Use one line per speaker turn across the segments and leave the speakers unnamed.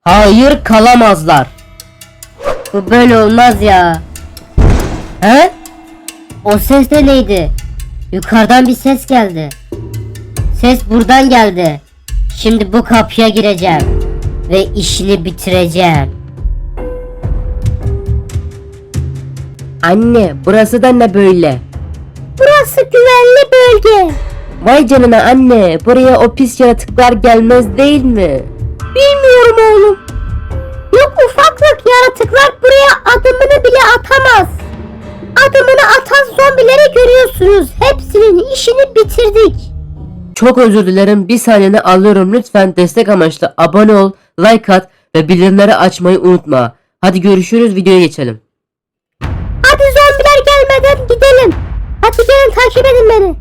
Hayır, kalamazlar. Bu böyle olmaz ya. He? O ses de neydi? Yukarıdan bir ses geldi. Ses buradan geldi. Şimdi bu kapıya gireceğim ve işini bitireceğim. Anne, burası da ne böyle? Burası güvenli bölge. Vay canına anne, buraya o pis yaratıklar gelmez değil mi? Bilmiyorum oğlum. Yok, ufaklık yaratıklar buraya adımını bile atamaz. Adımını atan zombileri görüyorsunuz. Hepsinin işini bitirdik. Çok özür dilerim. Bir saniyeni alıyorum. Lütfen destek amaçlı abone ol, like at ve bildirimleri açmayı unutma. Hadi görüşürüz. Videoya geçelim. Hadi zombiler gelmeden gidelim. Hadi gelin, takip edin beni.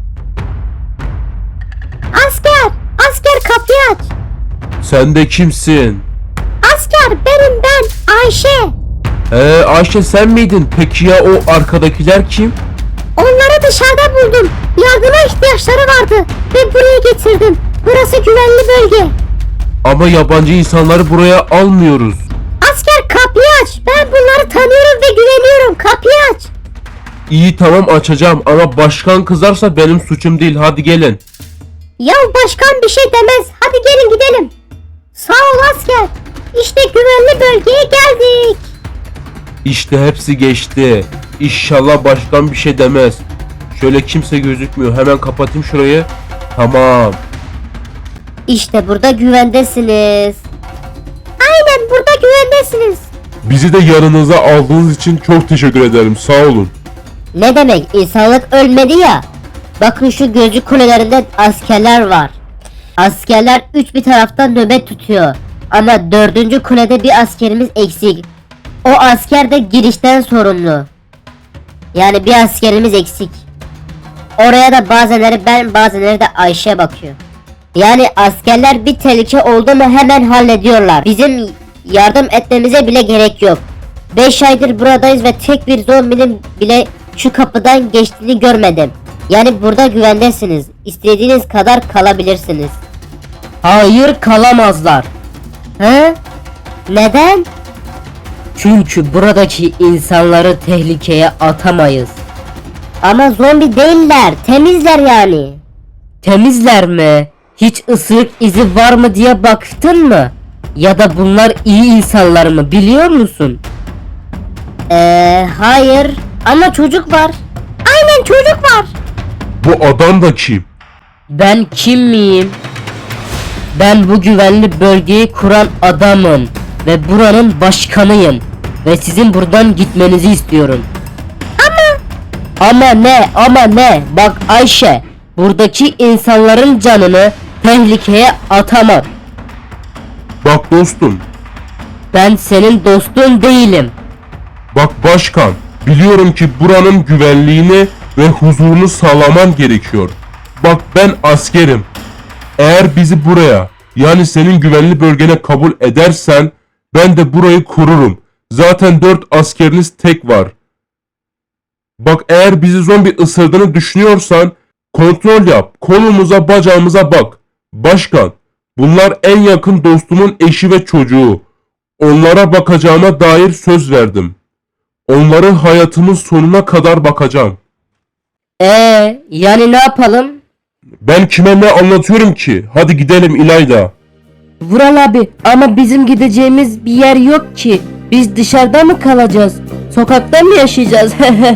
Asker kapıyı aç.
Sen de kimsin?
Asker benim, ben Ayşe.
Ayşe sen miydin? Peki ya o arkadakiler kim?
Onları dışarıda buldum. Yardıma ihtiyaçları vardı ve buraya getirdim. Burası güvenli bölge.
Ama yabancı insanları buraya almıyoruz.
Asker kapıyı aç. Ben bunları tanıyorum ve güveniyorum. Kapıyı aç.
İyi tamam açacağım ama başkan kızarsa benim suçum değil. Hadi gelin.
Ya başkan bir şey demez. Hadi gelin gidelim. Sağ ol asker. İşte güvenli bölgeye geldik.
İşte hepsi geçti. İnşallah başkan bir şey demez. Şöyle kimse gözükmüyor. Hemen kapatayım şurayı. Tamam.
İşte burada güvendesiniz. Aynen, burada güvendesiniz.
Bizi de yanınıza aldığınız için çok teşekkür ederim. Sağ olun.
Ne demek? İnsanlık ölmedi ya. Bakın şu gözcü kulelerinde askerler var. Askerler üç bir taraftan nöbet tutuyor. Ama 4. kulede bir askerimiz eksik. O asker de girişten sorumlu. Yani bir askerimiz eksik. Oraya da bazenleri ben, bazenleri de Ayşe bakıyor. Yani askerler bir tehlike oldu mu hemen hallediyorlar. Bizim yardım etmemize bile gerek yok. 5 aydır buradayız ve tek bir zombinin bile şu kapıdan geçtiğini görmedim. Yani burada güvendesiniz. İstediğiniz kadar kalabilirsiniz. Hayır, kalamazlar. He? Neden? Çünkü buradaki insanları tehlikeye atamayız. Ama zombi değiller, temizler yani. Temizler mi? Hiç ısırık izi var mı diye baktın mı? Ya da bunlar iyi insanlar mı, biliyor musun? Hayır. Ama çocuk var. Aynen, çocuk var.
Bu adam da kim?
Ben kim miyim? Ben bu güvenli bölgeyi kuran adamım ve buranın başkanıyım ve sizin buradan gitmenizi istiyorum. Ama ne? Bak Ayşe, buradaki insanların canını tehlikeye atamam.
Bak dostum.
Ben senin dostun değilim.
Bak başkan. Biliyorum ki buranın güvenliğini ve huzurunu sağlaman gerekiyor. Bak ben askerim. Eğer bizi buraya, yani senin güvenli bölgene kabul edersen ben de burayı korurum. Zaten 4 askeriniz tek var. Bak eğer bizi zombi ısırdığını düşünüyorsan kontrol yap. Kolumuza, bacağımıza bak. Başkan, bunlar en yakın dostumun eşi ve çocuğu. Onlara bakacağıma dair söz verdim. Onları hayatımın sonuna kadar bakacağım.
Yani ne yapalım?
Ben kime ne anlatıyorum ki? Hadi gidelim İlayda.
Vural abi, ama bizim gideceğimiz bir yer yok ki. Biz dışarıda mı kalacağız? Sokakta mı yaşayacağız?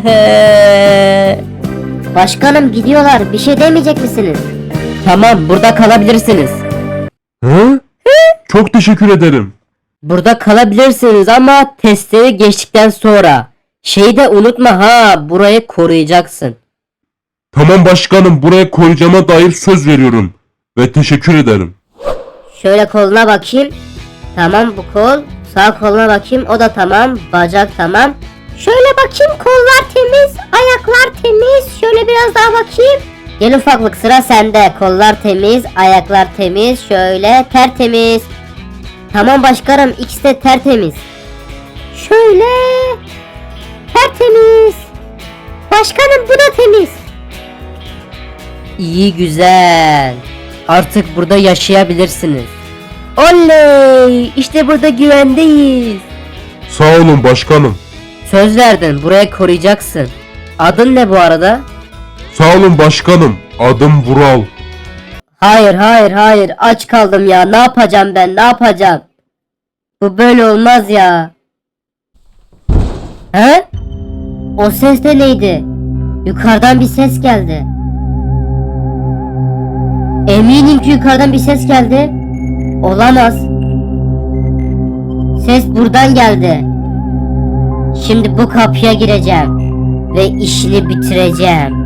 Başkanım, gidiyorlar. Bir şey demeyecek misiniz? Tamam, burada kalabilirsiniz.
Hı? Çok teşekkür ederim.
Burada kalabilirsiniz ama testleri geçtikten sonra. Şeyi de unutma ha, burayı koruyacaksın.
Tamam başkanım, buraya koruyacağıma dair söz veriyorum. Ve teşekkür ederim.
Şöyle koluna bakayım. Tamam, bu kol. Sağ koluna bakayım, o da tamam. Bacak tamam. Şöyle bakayım, kollar temiz, ayaklar temiz. Şöyle biraz daha bakayım. Gel ufaklık, sıra sende. Kollar temiz, ayaklar temiz. Şöyle tertemiz. Tamam başkanım, ikisi de tertemiz. Şöyle tertemiz. Başkanım, bu da temiz. İyi, güzel. Artık burada yaşayabilirsiniz. Oley! İşte burada güvendeyiz.
Sağ olun başkanım.
Söz verdin, burayı koruyacaksın. Adın ne bu arada?
Sağ olun başkanım. Adım Vural.
Hayır, aç kaldım ya. Ne yapacağım ben, ne yapacağım? Bu böyle olmaz ya. He? O ses de neydi? Yukarıdan bir ses geldi. Eminim ki yukarıdan bir ses geldi. Olamaz. Ses buradan geldi. Şimdi bu kapıya gireceğim ve işini bitireceğim.